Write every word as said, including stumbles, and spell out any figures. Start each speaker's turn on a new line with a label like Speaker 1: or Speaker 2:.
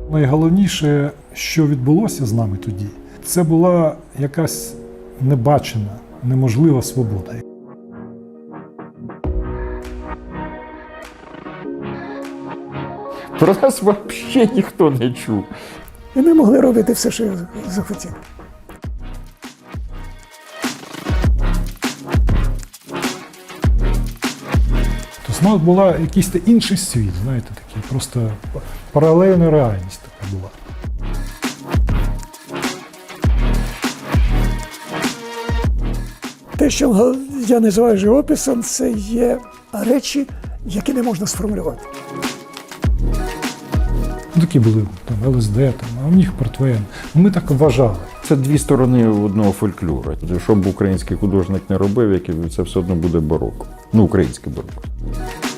Speaker 1: Найголовніше, що відбулося з нами тоді, це була якась небачена, неможлива свобода.
Speaker 2: Про нас взагалі ніхто не чув.
Speaker 3: І ми могли робити все, що захотіли.
Speaker 1: Тобто, ну, була якийсь та інший світ, знаєте, такий, просто паралельна реальність така була.
Speaker 3: Те, що я називаю живописом, це є речі, які не можна сформулювати.
Speaker 1: Ну, такі були там Ел Ес Де, там, а в них портвейн. Ми так вважали.
Speaker 2: Це дві сторони одного фольклору. Що б український художник не робив, це все одно буде бароко. Ну, українське бароко.